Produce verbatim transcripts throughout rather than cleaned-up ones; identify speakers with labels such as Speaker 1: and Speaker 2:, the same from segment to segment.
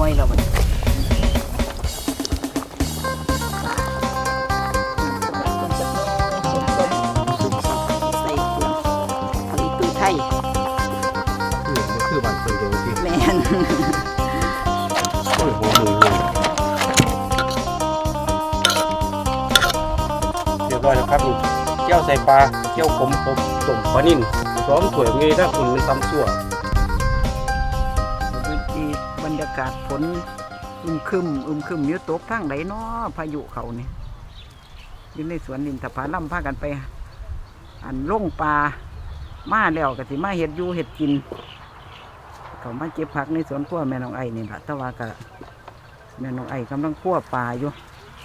Speaker 1: วยแล้วมันใส่เครื่องเอาอีตูไทย
Speaker 2: คือมันคือบ้านคนเดียวจริง
Speaker 1: แมน
Speaker 2: โอ้ยหัวมือเลยเรียบร้อยแล้วครับนี่เจียวใส่ปลาเจียวขมต้มต้มปลานิ่นสองถ้วยมีถ้าคุณมันตำซั่ว
Speaker 1: ดีบรรยากาศฝนอึมครึมอึมครึมเยอะตกทางไหนเนาะพายุเขาเนี่ยอยู่ในสวนนินทผลัมพากันไป อันล่งปลามาแล้วก็สิมาเห็ดอยู่เห็ดกินเขามาเก็บผักในสวนขั้วแม่น้องไอ้นี่แหละแต่ว่าก็แม่น้องไอ้กำลังขั้วปลาอยู่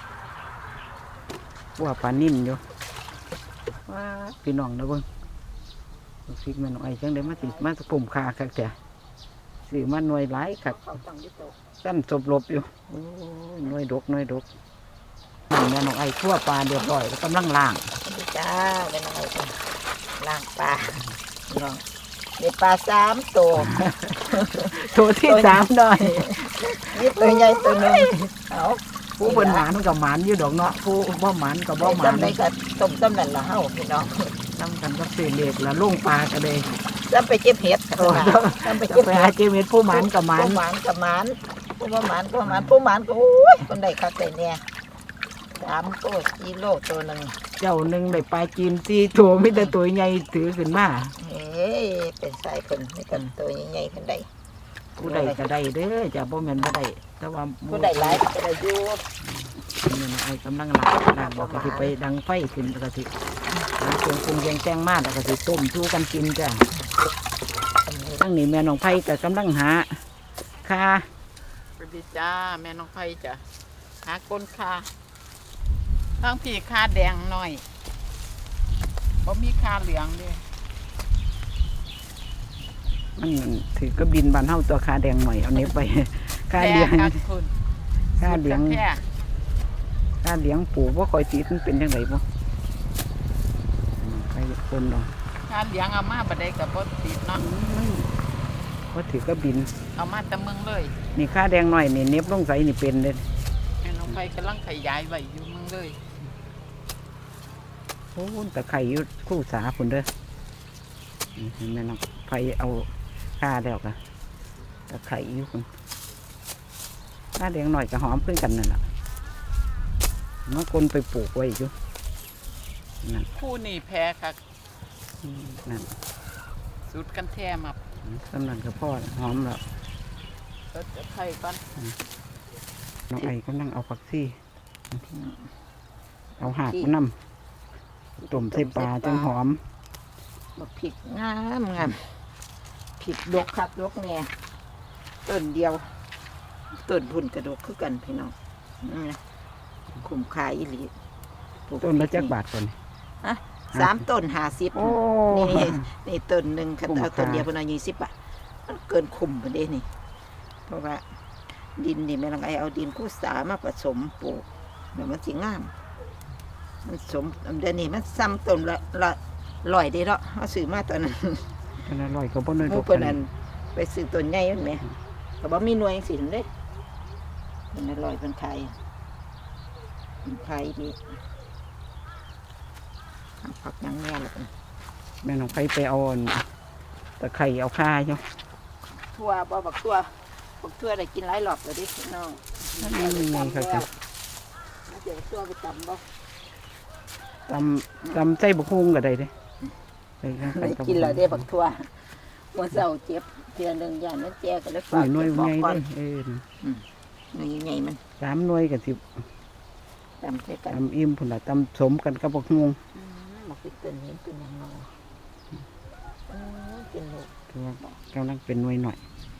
Speaker 1: ขั้วปลานิ่มอยู่ว้าพี่น้องนะเบิ้งฟิกแม่น้องไอ้จังได้มาติดมาสปุ่มคาคักแต่สื่อมาหน่วยหลายคักสั้นสบลบอยู่โอ้ยหน่วยดกหน่วยดกแม่น้องไอ้ขั้วปลาเรียบร้อยแล้วกำลังล่าง
Speaker 3: จ้าเป็นอะไรกันล่างปลาลองเด็ดปลาสามตัว
Speaker 1: ตัวที่สามหน่อย
Speaker 3: นี่ตัวใหญ่ตัวหนึ่งเอา
Speaker 1: ผู้เป็นหมานกับหมานอยู่ดอกเนาะผู้บ่หมานกับบ่หมาน
Speaker 3: จำได้กับต้มต้มนั่นละเฮาพี่น้อง
Speaker 1: ทำกันกับเศษเหล็กละลุ่งปลากันเลย
Speaker 3: จำไปเก็บเห็ด
Speaker 1: โอ้
Speaker 3: จำไป
Speaker 1: จะ
Speaker 3: เก็บ
Speaker 1: ไป
Speaker 3: เห็
Speaker 1: หา
Speaker 3: ด
Speaker 1: เจมิตผู้หมานกับหมาน
Speaker 3: ผู้หมานกับหมานผู้บ่หมานก็หมานผู้หมานก็โอ้ยคนใดคักใดเนี่ยสามตัวกิโลตัวหนึ่ง
Speaker 1: เจ้าหนึ่งได้ปลาจีนสี่ตัวมิแต่ตัวใหญ่ถือขึ้นมา
Speaker 3: เฮ้ยเป็นสายคนไม่กันตัวใหญ่ๆคนใด
Speaker 1: ผู้ใดก็ได้เด้อจะบ่แม่นบ่ได้แต่ว่า
Speaker 3: ผู้ใดหลายก็ได้อยู่
Speaker 1: เนี่ยไอ้กำลังหลักหลักบอกก็สิไปดังไฟขึ้นแล้วก็สิหาเครื่องปรุงแกงแจ้งมาแล้วก็สิต้มชูกันกินจ้ะทั้งนี้แม่น้องไผ่ก็กำลังหาค่า
Speaker 4: สวัสดีจ้าแม่น้องไผ่จ้ะหาก้นคาทั้งพี่คาแดงหน่อยบ่มีคาเหลืองด้วย
Speaker 1: มันถือก็บินบานเท่าตัวคาแดงหน่อยเอาเนี้ยไปค่าเลี้ยง
Speaker 4: แค่คุณ
Speaker 1: ค่าเลี้ยง
Speaker 4: แค่
Speaker 1: ค่าเลี้ยงปลูกว่าคอยติดมันเป็นยังไงบ่ใครคนเนาะ
Speaker 4: คาเหลืองเอามาบัดใดกับบ่ติดเนาะ
Speaker 1: ว่าถือก็บิน
Speaker 4: เอามาแต่เมืองเลย
Speaker 1: นี่ค่าแดงหน่อยนี่เน็บลงใสนี่เป็นเลย
Speaker 4: แม่น้องไผ่กำลังขยายไว้อยู่เมืองเลย
Speaker 1: โอ้ตะไคร่อยู่คู่สาผุนเด้อนี่เห็นไหมน้องไฟเอาค่าแล้วกะตะไคร่อยู่คนค่าแดงหน่อยกับหอมเพื่อนกันนั่นแหละเมื่อคนไปปลูกไว้อยู่นั่น
Speaker 4: คู่นี่แพ้ค่ะ
Speaker 1: นั่น
Speaker 4: สุดกันแท้มา
Speaker 1: สำนักกับพ่อหอมแล้ว
Speaker 4: เอิ้นจะไผ่ก่อน
Speaker 1: น้องไอ้ก็นั่งเอาผักซี่เอาหากมานํต้มใส่ปลาจังหอม
Speaker 3: บักผิดงามงามผิดดกคักดกแน่ต้นเดียวต้นพุ่นกระดกคือกันพี่น้องอืมคุ้มค่าอีหลีปลูก
Speaker 1: ต้นละจักบาทก่อน
Speaker 3: ฮะสามต้นห้าสิบ
Speaker 1: โอ้
Speaker 3: นี่นี่นี่ต้นหนึ่งคัน
Speaker 1: คุ้ม
Speaker 3: เอาต้น
Speaker 1: ค่า
Speaker 3: เดียวเพนเอายี่สิบบาทมันเกินคุ้มไปเด้นี่ เพราะว่า ดินนี่แม่ลังไอเอาดินคู่สามาผสมปลูกเดี๋ยวมันสิงาม มันสมเดี๋ยวนี้มันซ้ำต้นละละลอยได้แล้วเอาซื้อมาตอนนั้น
Speaker 1: อันอร่อยก็บ่น้อย
Speaker 3: หมู
Speaker 1: ก
Speaker 3: เพิ่
Speaker 1: ว่าน
Speaker 3: นั้นไปซื้อต้นใหญ่มันไหมแต่ว่ามีหน่วยสินเด้เป็นอร่อยเป็นไข่เป็นไข่ดีผักหยังแน่ละกัน
Speaker 1: แม่น้องไปไปเอาอันตะไคร่เอาค่าอยู่
Speaker 3: ทั่วบ่บักทั่วบักทั่วได้กินหลายรอบแล้วเดิพี่น้อง
Speaker 1: นี่ไงเขาจะ
Speaker 3: เดี๋ยวทั่วไปตำบ่
Speaker 1: ตำตำใส่บกฮุงก็ได้เด้ไปข้าง
Speaker 3: ได้
Speaker 1: ๆบ
Speaker 3: กินแล้วได้บักทั่วเมื่อเช้าเจ็บเทียหนึงอย่างนั้นแจก็เลย
Speaker 1: หน่
Speaker 3: ฝา
Speaker 1: วย
Speaker 3: ก
Speaker 1: หน่วย
Speaker 3: บอก
Speaker 1: ไง
Speaker 3: ก่อน
Speaker 1: เด้เออ
Speaker 3: หน่วยใหญ่มัน
Speaker 1: สามหน่วยกับสิบ
Speaker 3: ตำใส่กัน
Speaker 1: ตำอิ่มพุ่นละตำสมกันกับบกฮุง
Speaker 3: อืมบักติดต้นนี้เป็นยังไงอืมกินลูก
Speaker 1: ถือว่ากำลังเป็นหน่วยหน่อย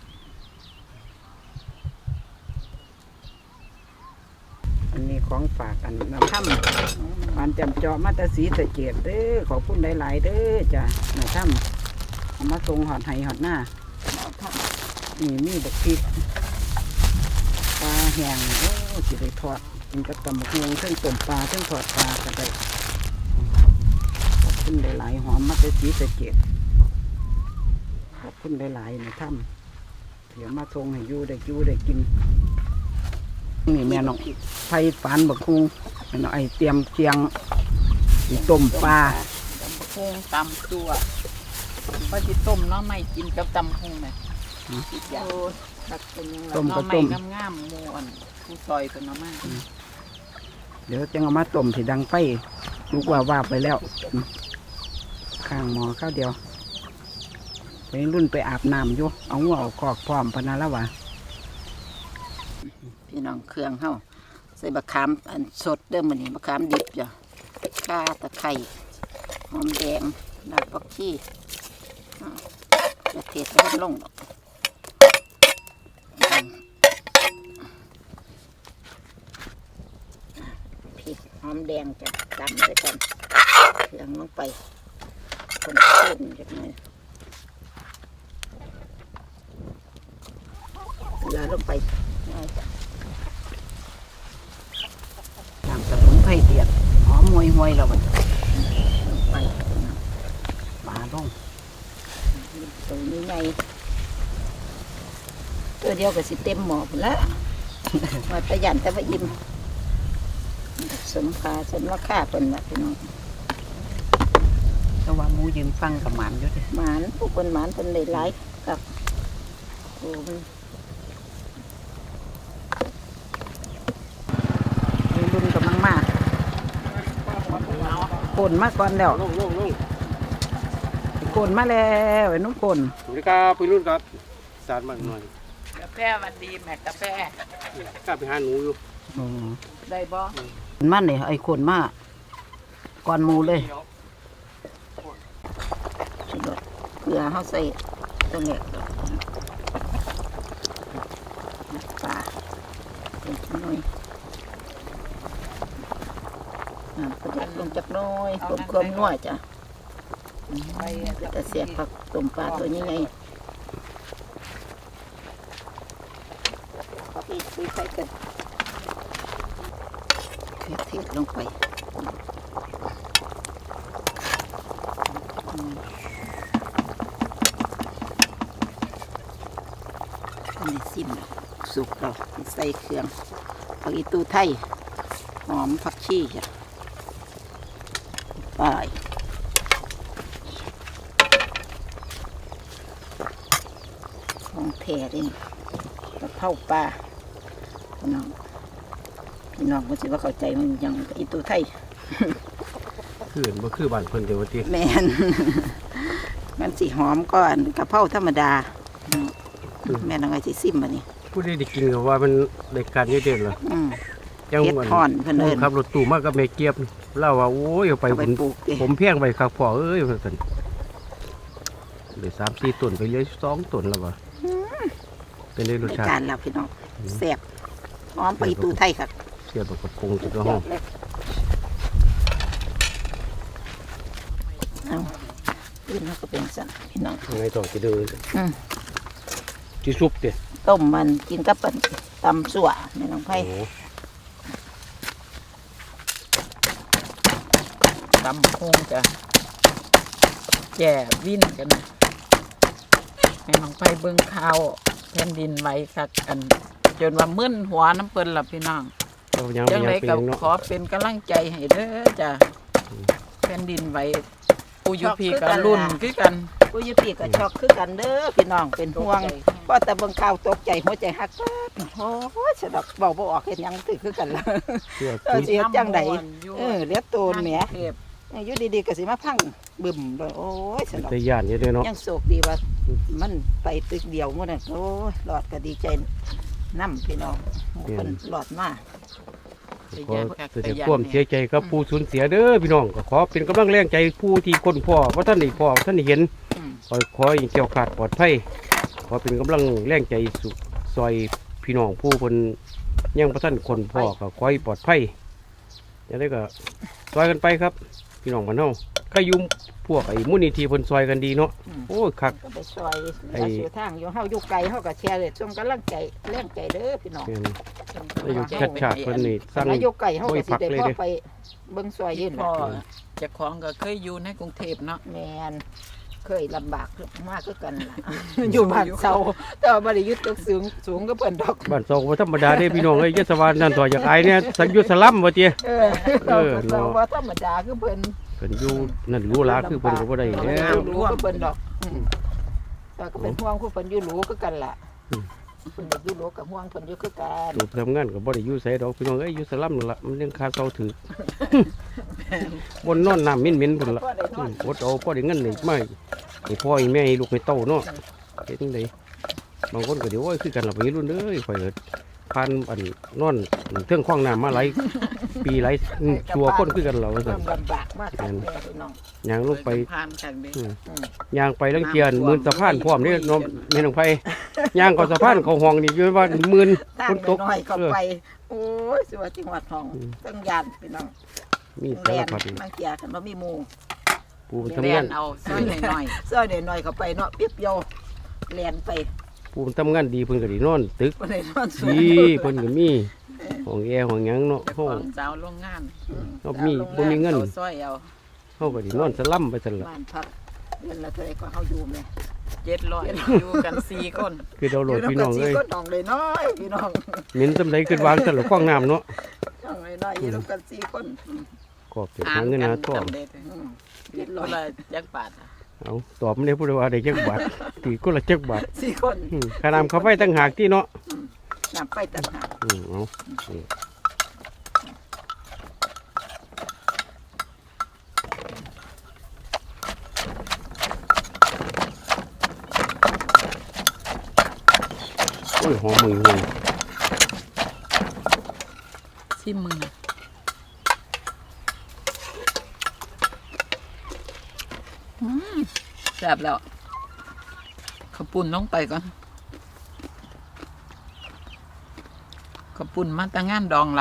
Speaker 1: อันนี้ของฝากอันน้ำถ้ำปานจำเจาะมาแตสีสะเกดเด้อขอบคุณหลายๆเด้อจ้ะน้ำถ้ำเอามาส่งหอดไห้หอดหน้า
Speaker 3: เอาท
Speaker 1: นี่มีบักพริกปลาแห้งโอ้สิได้ทอดกินกับตำบักฮวงเส้นต้มปลาเส้นทอดปลาก็ได้ขอบคุณหลายๆหอมมาแต่สีสะเกดขอบคุณหลายๆในถ้ำเดี๋ยวมาส่งให้อยู่ได้อยู่ได้กินนี่แม่น้องไผ่ฝานบักคุงแม่น้องไอเตรียมเคียงสิต้มปลา
Speaker 4: ตำพุงตำตัวพอจิต้มเนาะไม่กินกับตำพุงเลยอีกอย่าง
Speaker 3: โอ้ตักเป็นยังไง
Speaker 1: ต้ม
Speaker 4: เนาะ
Speaker 1: ก็
Speaker 4: ไม่
Speaker 1: ต้ม
Speaker 4: งามๆหมูอันผู้ซอยเป็นเนาะมาก
Speaker 1: เดี๋ยวจะเอามาต้มสิดังไฟลูกว่าว่าไปแล้วอืมข้างหมอข้าวเดียวไปรุ่นไปอาบน้ำอยู่เอาหัวเอาคอกพร้อมพะนาละวะ
Speaker 3: พี่น้องเครื่องเฮาใส่บะขามอันสดเด้อมื้อนี้บะขามดิบจ้ะข่าตะไคร้หอมแดงรากผักชีอ้าวจะเทใส่ลงดอกอืมพริกหอมแดงจ้ะตำไปกันเครื่องลงไปคนเส้นจักหน่อยเกลือลงไปง่ายจ้ะ
Speaker 1: น้ำสมุนไพรเดียดหอมหวยหวยแล้วมัน
Speaker 3: ไป
Speaker 1: ปลาลง
Speaker 3: ตัวนี้ไงตัวเดียวก็สิเต็มหมอพุ่นละ มาประหยัดแต่ว่าอิ่มสมคาสมราคาเป็นแบบพี่น้อง
Speaker 1: แต่ว่าหมูยืนฟังกับหมันอยู่เดิ
Speaker 3: หมานผู้คนหมานเป็นได้หลายกับโอ้มัน
Speaker 1: มีรุ่นกำลังมากโกนมาก่อนแล้ว
Speaker 2: ลงลงลง
Speaker 1: โกนมาแล้วไอ้นุ่มโกน
Speaker 2: สวัสดีครับพี่รุ่นครับสารมากหน่อย
Speaker 4: กาแฟหวันดีแม่กาแฟ
Speaker 2: กล้าไปหาหนูอยู่
Speaker 1: อ๋อ
Speaker 4: ได้บ่
Speaker 1: มันเนี่ยไอ้โกนมาก่อนหมูเลย
Speaker 3: สุดยอดเกลือเขาใส่ตัวเนี้ยปลาเป็นหน่อยน้ำประหยัดลงจากหน้อยต้มความนัวจ้ะ
Speaker 4: ไป
Speaker 3: แต่เสียบผักต้มปลาตัวนี้ไงขอพี่คุยใส่กันเทเทศลงไปอืมอันนี้ซิมแล้วสุกเราใส่เครื่องผักอีตูไทยหอมผักชีจ้ะไปของแท้ดิกระเพราปลาพี่น้องพี่น้องมันสิว่าเข้าใจมันยังอีตูไทย
Speaker 2: คือเห็นบ่คือบ้านเพิ่นเดี๋ยวว่าติ
Speaker 3: แมน มันสีหอมก่อนกระเพราธรรมดา แม่นอะไรสิซิมมานี่
Speaker 2: ผู้ใดได้กินก็ว่ามันได้การเยอะเด่นล่ะ
Speaker 3: อืม
Speaker 2: ยัง
Speaker 3: เฮ็ดทอนเพิ่นเอิ้น
Speaker 2: ขับรถตู้มากับแม่เกียบเล่าว่าโอ้ยเอาไป
Speaker 3: เอาไป
Speaker 2: ผม
Speaker 3: ปลูกดิ
Speaker 2: ผมเพียงไปคักพ่อเอ้ยว่าซั่นเหลือสามสี่ต้นไปเหลือสองต้นแล้วว่ะเป็นได้รส
Speaker 3: ใน
Speaker 2: ชาติ
Speaker 3: การแล้วพี่น้องแซ่บหอมไปอีตูไทยค่ะ
Speaker 2: เสียบกับกงจุดละห้อง
Speaker 3: เอาอื่นเขาก็เป็นสั่นพี่น้อง
Speaker 2: ยังไงต้องสิเดิน
Speaker 3: อืม
Speaker 2: สิซุปติ
Speaker 3: ต้มมันกินกับปั่นตำสั่วแม่น้องไผ่
Speaker 2: โอ้
Speaker 4: ตำพุงจ้ะแก่วิ่นกันนะแม่น้องไปเบิ่งข่าวแผ่นดินไหวคักอัน จนว่ามึนหัวน้ำเปิ้นล่ะพี่น้อง
Speaker 2: เอายัง
Speaker 4: จัง
Speaker 2: ยั
Speaker 4: ได
Speaker 2: งเป็น
Speaker 4: ก็
Speaker 2: ยังเนาะ
Speaker 4: ขอเป็นกำลังใจให้เด้อจ้ะแผ่นดินไหวปูอยูพีกับรุ่นคือกัน
Speaker 3: ผู้อยุปีก็ช็อกคือกันเด้อพี่น้องเป็นห่วงเพราะแต่เบิ่งข่าวตกใจหัวใจหักปั๊บโอ้ยสะดอกเบาบ่ออกเห็นยังถือคือกันละ
Speaker 2: เชื่อ
Speaker 3: เออ
Speaker 2: คือ
Speaker 3: เสียจังใด
Speaker 4: น้ำม่วนอยู่
Speaker 3: เออเลียดโตนแหม
Speaker 4: เทพ
Speaker 3: อยู่ดีๆก็สิมาพังบึมเลยโอ้ยสะดอก
Speaker 2: แต่ย่านอยู่เด้อเนาะ
Speaker 3: ยังโศกดีว่ามันไปตึกเดียวหมดน่ะโอ้ยหลอดก็ดีใจน้ำพี่น้องหมู่เพิ่นหลอดมา
Speaker 2: ขอแสดงความเสียใจกับผู้สูญเสียเด้อพี่น้องก็ขอเป็นกำลังแรงใจผู้ที่คนพ่อเพราะท่านได้พ่อท่านได้เห็น
Speaker 3: อืม
Speaker 2: ขอขอให้เกี่ยวขาดปลอดภัยขอเป็นกำลังแรงใจสุซอยพี่น้องผู้คนยังพระท่านคนพ่อก็ขอให้ปลอดภัยอย่างนี้ก็ซอยกันไปครับ พี่น้องบ้านเฮาก็อยุ่มพวกไอ้มูลนิธิเพิ่นซอยกันดีเนาะโอ้ยคัก
Speaker 3: ก็ไปซอย
Speaker 2: ไอ้
Speaker 3: เหลือสู่ทางอยู่เฮาอยู่ไกลเฮาก็แชร์เลยส่งกำลังใจแรงใจเด้อพี่น้อง
Speaker 2: แม่นได้อยู่ชัดชาติเพิ่นนี่สร้าง
Speaker 3: อายุไกลเฮา
Speaker 2: โอ้
Speaker 3: ก็
Speaker 2: ย
Speaker 3: สิ
Speaker 2: พัก
Speaker 3: ได้
Speaker 2: เลย
Speaker 3: พอ
Speaker 2: เด้อ
Speaker 3: ไปเบิ่งซอยยืน
Speaker 4: พ่อเจ้าของก็เคยอยู่ในกรุงเทพเนาะ
Speaker 3: แม่นเคยลำบากมากคือกันล่ะ อยู่บ้านเซาแต่ว่าบ่ได้อยู่ตึกสูงสูงก็เพิ่นดอก
Speaker 2: บ้านซอกบ่ธรรมดาเด้พี่น้องเอ้ยยศวรรณนั่นต่อจากอายเนี่ยสังยุทธสลัมว่าติ
Speaker 3: เออ
Speaker 2: เออ
Speaker 3: เรา
Speaker 2: เนาะ
Speaker 3: บ่ธรรมดาคือเพิ่น
Speaker 2: เพิ่นอยู่นั่นรู้ลาคือเพิ่นก็บ่ได้
Speaker 3: เอ
Speaker 2: แล้
Speaker 3: อ
Speaker 2: ว
Speaker 3: รู้คือเพิ่นดอกอืมแต่ก็เป็นห่วงคือเพิ่นอยู่รู้คือกันล่ะ
Speaker 2: อืม
Speaker 3: เพิ่นอยู่รู้กับห่วงเพิ่นอยู่คือกัน
Speaker 2: รูปทำงานก็บ่ได้อยู่ไสดอกพี่น้องเอ้ยอยู่สลัมนั่นล่ะมันยังคาเซาถือ บนนอนน้ำเหม็นๆพุ่นล่ะอืมอดเอาพอได้เงินนี่มาให้พ่อให้แม่ให้ลูกให้เต้าเนาะเฮ็ดจังไดบางคนก็เดี๋ยวโอ้ยคือกันล่ะพี่รุ่นเอ้ยข่อยก็ผ่านอันนอนเทิงคว้างน้ำมาหลายปีหลายอืมชั่วคนคือกันล่ะว่าซั่
Speaker 3: เริ่
Speaker 2: น
Speaker 3: มลำบากมากครับแม่พี่น้อง
Speaker 2: ย่างลงไป
Speaker 4: ผ่านกันเด้
Speaker 2: อืม
Speaker 3: อืม
Speaker 2: ย่างไปลังเกียนหมื่นสะพานพร้อมนี่น้องแม่น้องไผย่างก็สะพานเขาห้องนี่อยู่ว่าหมื่น
Speaker 3: ตั้
Speaker 2: ฝ
Speaker 3: ง
Speaker 2: นตก
Speaker 3: น้อยๆเข้า
Speaker 2: เออ
Speaker 3: ไป โอ้ยสิว่าจังหวัดทอง
Speaker 2: อืม
Speaker 3: ตั้งยานพี่น้อง
Speaker 2: มีสา
Speaker 3: แล่
Speaker 2: ร
Speaker 3: น
Speaker 2: พัด
Speaker 3: บางเกียกันบ่มีหมู่
Speaker 2: ปูมัน
Speaker 4: เรี
Speaker 2: ทำงาย น
Speaker 4: นเอาซอยหน่อย
Speaker 3: ซอยน้อยๆเข้าไปเนาะเปียบเดียวแล่นไป
Speaker 2: ปูมันทำงานดีเพิ่นก็ได้นอนตึก
Speaker 3: บ่ได้นอนสูง
Speaker 2: ดีเพิ่นก็มีห้องแอร์ห้องหยังเนาะ
Speaker 4: ๆเจ้า
Speaker 2: เฮา
Speaker 4: ของสาวโรงงาน
Speaker 2: เฮามีบ่มีเงิน
Speaker 4: เอาซอยเอา
Speaker 2: เฮาก็ได้นอนสลัมไปซั่นล่ะ
Speaker 3: บ้านพักเดือนละเท่าไหร่ก็เฮาอยู่แม่
Speaker 4: เจ็ดร้อยอยู่กันสี่คน
Speaker 2: คือเราโหลดพี่น้อง
Speaker 3: อยู่
Speaker 2: เอ้ย
Speaker 3: ก็น้องเลยน้อยพี่น้อง
Speaker 2: เหม็นซำใดขึ้นวางซั่นล่ะคว้างน้ำเนาะ
Speaker 3: น้องเลยน้อยอยู่ร่วมกันสี่คนอืม
Speaker 2: ก็เก็บหาเงินหาทอง
Speaker 4: จำได้เด้อ
Speaker 3: อืม
Speaker 4: เจ็ดร้อยละจักบาทอะ
Speaker 2: เอาตอบมันได้ผู้ใดว่าได้จักบาทตีคนละจักบาท
Speaker 3: สี่คน
Speaker 2: อืมค่าน้ำค่าไฟต่างหากที่เนาะ
Speaker 3: น้ำไปต่างหาก
Speaker 2: อืมเอานี่โอ้ยหอมมือเลย
Speaker 4: ซิมึงอืมแซ่บแล้วข้าวปุ้นลงไปก่อนข้าวปุ้นมาตั้งงานดองหลาน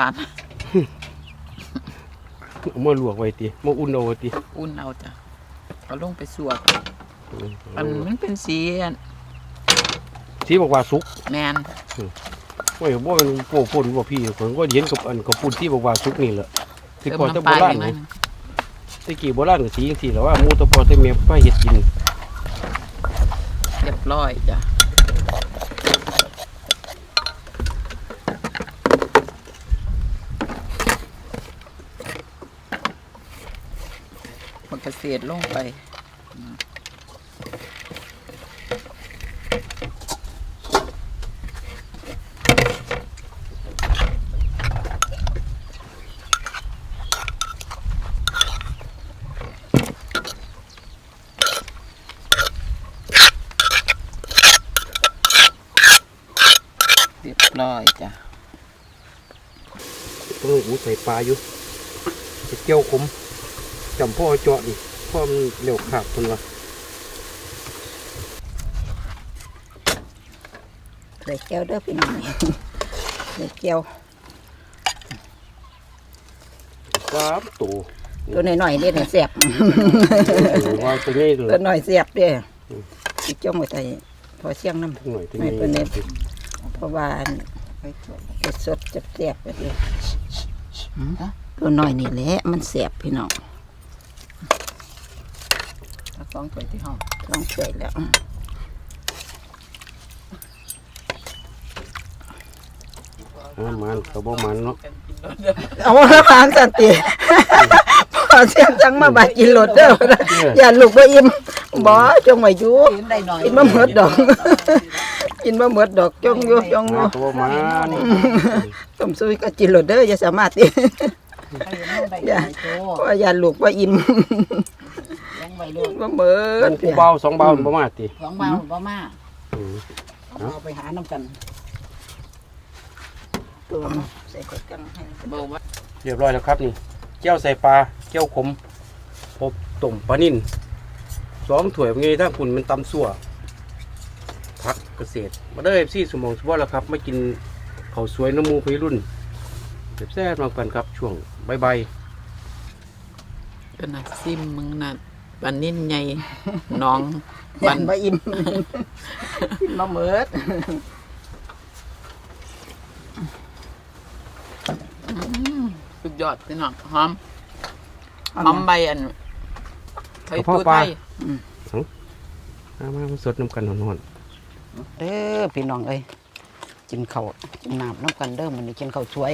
Speaker 2: เอามาลวกไว้ติมาอุ่นเอาไว้ติ
Speaker 4: อุ่นเอาจ้ะเอาลงไปสวก
Speaker 2: อืม
Speaker 4: มันมันเป็นสีอัน
Speaker 2: สีบอกว่าสุก
Speaker 4: แมน
Speaker 2: โอ้ยบ่เป็นโปป่นบ่พี่ผมก็เห็นกับอันกับปุ่นที่บอกว่าสุกนี่แหละที่
Speaker 4: เติม
Speaker 2: ก่อนจะ
Speaker 4: น้ำ
Speaker 2: โบ
Speaker 4: ปลา
Speaker 2: ราณ
Speaker 4: อย่างนั้
Speaker 2: นะ
Speaker 4: น
Speaker 2: ตะกี้โบราณก็สีจังซี่แหล้วว่าหมูตะปอตะเมียไปเฮ็ดกิน
Speaker 4: เรียบร้อยจ้ะมันกระเสียดลงไป เรียบร้อยจ้ะ
Speaker 2: ต้องหูใส่ปลาอยู่จะเจียวขมจำพ่อเจาะนี่พ่อมันเร็วขาดคนว่า
Speaker 3: ใส่แก้วเด้อพี่น้องใส่แก้ว
Speaker 2: ครับตัว
Speaker 3: ตัวน้อยๆนี่เนี่ยแซ่บ
Speaker 2: ว่าตัวนี้เล
Speaker 3: ตัวย น้อยแซ่บเด้อสิจ้องไว้ใส่พอเสียงน้ำ
Speaker 2: หน่อยตัว
Speaker 3: ไม่
Speaker 2: นี้
Speaker 3: เป็นไร เพราะว่าเผ็ดสดจะแซ่บไปเลยตัวน้อยนี่แหละมันแซ่บพี่น้อง
Speaker 4: เอาสองถ้วยที่ห้อง
Speaker 3: ต้องช่วยแล้ว
Speaker 2: อ่ามันก็บ่มันเนาะ
Speaker 3: เอาละพานสันติ พอเสียงจังมาบาดกินรถเด้ออย่าลูกบ่อิ่มบ่จงไว้อยู่
Speaker 4: กินได้หน่อย
Speaker 3: กินบ่หมดดอก กินบ่หมดดอกจงอยู่จงอยู่
Speaker 2: ก็บ่มัน
Speaker 3: ต้มซุยก็กินรถเด้ออย่าสามารถติ อย่าเพราะว่าอย่าลูกบ่อิ่ม
Speaker 4: ยังไว้ลู
Speaker 3: กิ
Speaker 4: ก
Speaker 3: นบ่หมด
Speaker 2: ผู้เบาสองเบาบ่มาติ
Speaker 4: สองเบาบ่มา
Speaker 2: อืม
Speaker 4: เอาไปหาน้ำกัน
Speaker 3: ตัวใส่กดกังให้
Speaker 4: เบาว่า
Speaker 2: เรียบร้อยแล้วครับนี่เจียวใส่ปลาเจียวขมพบต้มปลานิ่นสองถ้วยเป็นไงถ้าคุณมันตำซั่วผักเกษตรมาได้ซี่สมองสวอแล้วครับมากินข้าวสวยน้ำมูพี่รุ่นแซ่บๆมากันครับช่วงบ่าย
Speaker 4: เป็นน่ะซิมมึงน่ะปันนิ่นใหญ่น้อง
Speaker 3: ยั
Speaker 4: ปัน
Speaker 3: นบ่อิ่ม กินบ่หมด
Speaker 4: สุดยอดพี่น้องหอมหอมใบอันไทยตู้ไทย
Speaker 2: ๆมามามาสดน้ำกันหอน
Speaker 1: เด้อพี่น้องเอ้ยกินข้าวกินน้ำน้ำกันเด้อมันนี่กินข้าวสวย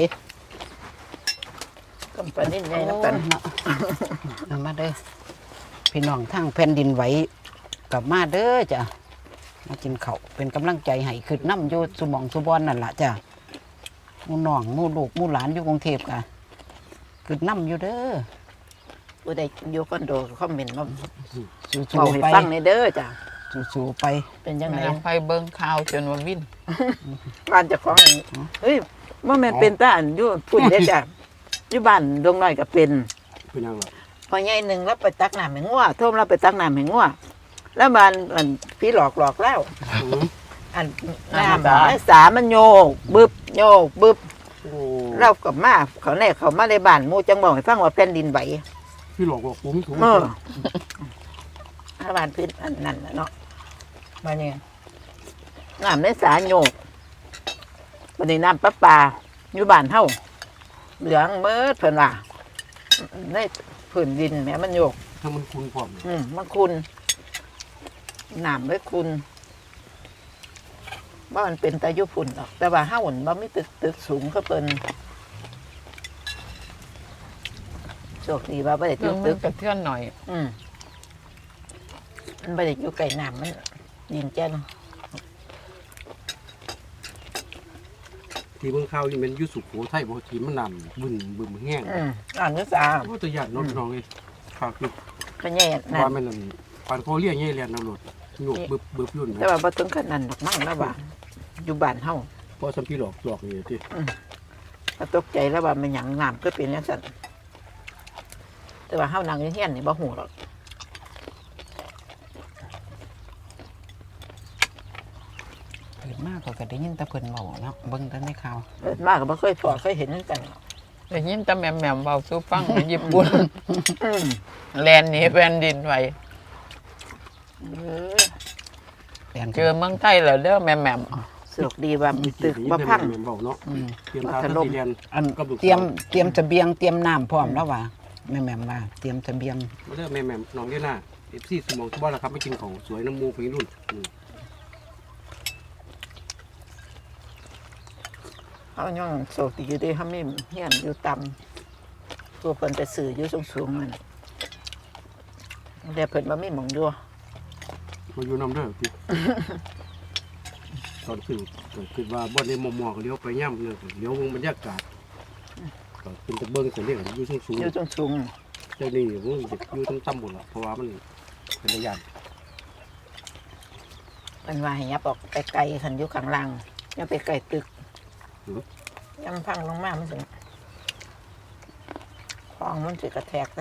Speaker 3: กำปนิดใหญ่น้ำกัน
Speaker 1: เนาะเอามาเด้อพี่น้องทางแผ่นดินไหวกลับมาเด้อจ้ะมากินข้าวเป็นกำลังใจให้ขึ้นน้ำอยู่สุหมองสุบอนนั่นล่ะจ้ะหมู่น้องหมู่ลูกหมู่หลานอยู่กรุงเทพกะขึ้นน้ำอยู่เด้อ
Speaker 3: ผู้ใดอยู่คอนโดก็คอมเมนต์มา
Speaker 1: สู้
Speaker 3: เมาให้
Speaker 1: ๆไป
Speaker 3: ฟังในเด้อจ้ะ
Speaker 1: สู้ๆไป
Speaker 3: เป็นยังไง
Speaker 4: แม่น้องไปเบิ่งข่าวจนว่าวิ่น
Speaker 3: บ้านเจะของเฮ้ยว่าแม่นเป็นตาอันอยู่ปุ่นเด้อจ้ะอยู่บ้านดงน้อยก็เป็น
Speaker 2: ๆเป็นยังไง
Speaker 3: พอใหญ่หนึ่งแล้วไปตักน้ำให้งัวโทมเราไปตักน้ำให้งัวแล้วมันมันพี่หลอกหลอกแล้วอันน้ำไอ้สามันโยกบึบโยกบึบ
Speaker 2: โอ้
Speaker 3: เรากับมาเขาแน่เขามาในบ้านหมู่จังบอกให้ฟังว่าแผ่นดินไหว
Speaker 2: พี่หลอกบอกผมถูก
Speaker 3: เออถ้าบ้านพื้นอันนั้นน่ะเนาะมาเนี่ยน้ำในสาโยกวันนี้น้ำประปาอยู่บ้านเฮาเหลืองเมิดเพิ่นว่าในพื้นดินแม่มันโยก
Speaker 2: ถ้ามันคุณพร้อม
Speaker 3: อืมมันคุณน้ำไว้คุณว่ามันเป็นตายุพุ่นหรอกแต่ว่าห้าหุ่นว่าไม่ตึกตึกสูงก็เป็นโชคดีว่าไม่ได้
Speaker 4: เรื่
Speaker 3: ตึ
Speaker 4: อง
Speaker 3: ก
Speaker 4: มั
Speaker 3: ตึ
Speaker 4: น
Speaker 3: ก
Speaker 4: กระเทือนหน่อย
Speaker 3: อืมมันไม่ได้อยู่ไกลน้ำมันยินแจ้น
Speaker 2: ที่เมืองข้าวนี่มันอยุสุโขทัยบ่ที่มันน้ำบึ้นบึ้มแห้ง
Speaker 3: อืมอ่านนึกสา
Speaker 2: โอ้ตัวใหญ่เน้องพี่น้องเลยฝากอยู่
Speaker 3: ก็แย่นั่
Speaker 2: ว่าน มันนั่นปานโคเรียงใหญ่เรียนน้ำรถโยกบึบบึบยุ่น
Speaker 3: แต่ว่าบ่ถึงขนาดนั้นดอกมั่งแล้วว่าอยู่บ้านเฮา
Speaker 2: เพราะสัมพี่หลอกหลอกนี่ที่
Speaker 3: ก็ตกใจแล้วว่ามันหยังน้ำก็เป็นอย่างนั้นแต่ว่าเฮานั่งอยู่เฮียนนี่บ่ฮู้หรอก
Speaker 1: เกิดมากกว่าก็ได้ยินแต่เพิ่นเว้าเนาะเบิ่งแต่ในข่าว
Speaker 3: เกิดมากก็บ่เคยพอเคยเห็นเหมือนกัน
Speaker 4: แต่ยินแต่แม่มแม่มเบาสู้ฟังในญี่ปุ่น
Speaker 3: อืม
Speaker 4: แลนหนี้แผ่นดินไหว
Speaker 3: เออ
Speaker 1: แปลน
Speaker 4: เจอเมืองไทยแล้วเด้อแม่แม่ม
Speaker 3: สนุกดีว่ามีตึกบ่พัง
Speaker 2: แม่เบาเนาะ
Speaker 1: อืม
Speaker 2: เตรียมทางที่เรียน
Speaker 1: อัน
Speaker 2: กับลูกสาว
Speaker 1: เตรียมเตรียมเสบียงเตรียมน้ำพร้อมแล้วว่าแม่แม่มว่าเตรียมเสบียง
Speaker 2: มาเด้อแม่แม่น้องเดียน่าเอฟซีสมองทุบ้านแล้วครับไม่กินของสวยน้ำมูกไปรุ่นอืม
Speaker 3: เขายังโสดอยู่ดีเขาไม่เฮียนอยู่ต่ำตัวเพิ่นไปสื่ออยู่สูงๆมันเดี๋ยวเพิ่นมาไม่หมองอยู่
Speaker 2: มาอยู่น้ำเด้อพี่ ตอนขึ้นก็คือว่าบ่ได้มอมอก็เลี้ยวไปย่ำเนี่ยเลี้ยววงบรรยากาศก็เป็นตะเบิ้งเสียเรียกอยู่สูงสูง
Speaker 3: อยู่สูง
Speaker 2: เจ้านี่ผมเด็กอยู่ทั้งตำบลละเพราะว่ามันเป็นระยะ
Speaker 3: ๆมันว่าให้ยับออกไปไกลขันอยู่ข้างล่างอยังไปไกลตึกยำพังลงมามันสิคลองมันสิกระแทกได้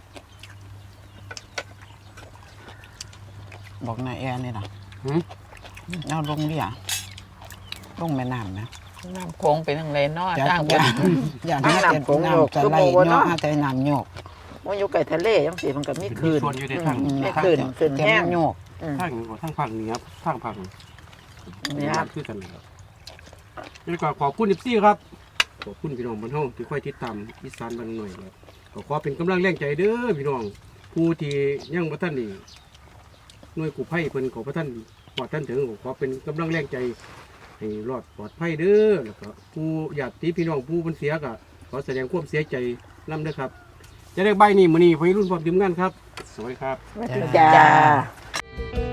Speaker 1: บอกนายแอร์นี่ล่ะ
Speaker 2: หืม
Speaker 1: เอาลงเรียลงแม่น้ำนะ
Speaker 4: น้ำโขงเป็นทางไรเนาะ
Speaker 1: จะ
Speaker 4: ทางบ
Speaker 1: อย่าน อย่าให้แต่น้ำจะไหลเนาะให้แต่น้ำโยก
Speaker 3: มันอยู่ไกลทะเลยังสิมันก็มี
Speaker 2: เป็น
Speaker 3: คืน
Speaker 2: ส่วนอยู่ในทาง
Speaker 3: อืม
Speaker 2: ทาง
Speaker 3: ขึ้นขึ้น
Speaker 1: แต่
Speaker 3: แห้ง
Speaker 1: มันโยก
Speaker 3: อืม
Speaker 2: ทางทางภาคเหนือทางภาค
Speaker 3: นี่ครับ
Speaker 2: คือกันเลยครับแล้วก็ขอบคุณอิปซี่ครับขอบคุณพี่น้องบ้านเฮาที่ค่อยติดตามอีสานบ้านหน่อยครับก็ขอเป็นกำลังแรงใจเด้อพี่น้องผู้ที่ยังบ่ทันนี่หน่วยกู้ภัยเพิ่นขอพระท่านปลอดท่านถึงก็ขอเป็นกำลังแรงใจให้รอดปลอดภัยเด้อแล้วก็ผู้ญาติพี่น้องผู้เพิ่นเสียก็ขอแสดงความเสียใจนํเด้อครับจะได้ใบนี้มื้อนี้วัยรุ่นพร้อมทีมงานครับสวัสดีครับ
Speaker 3: จ้า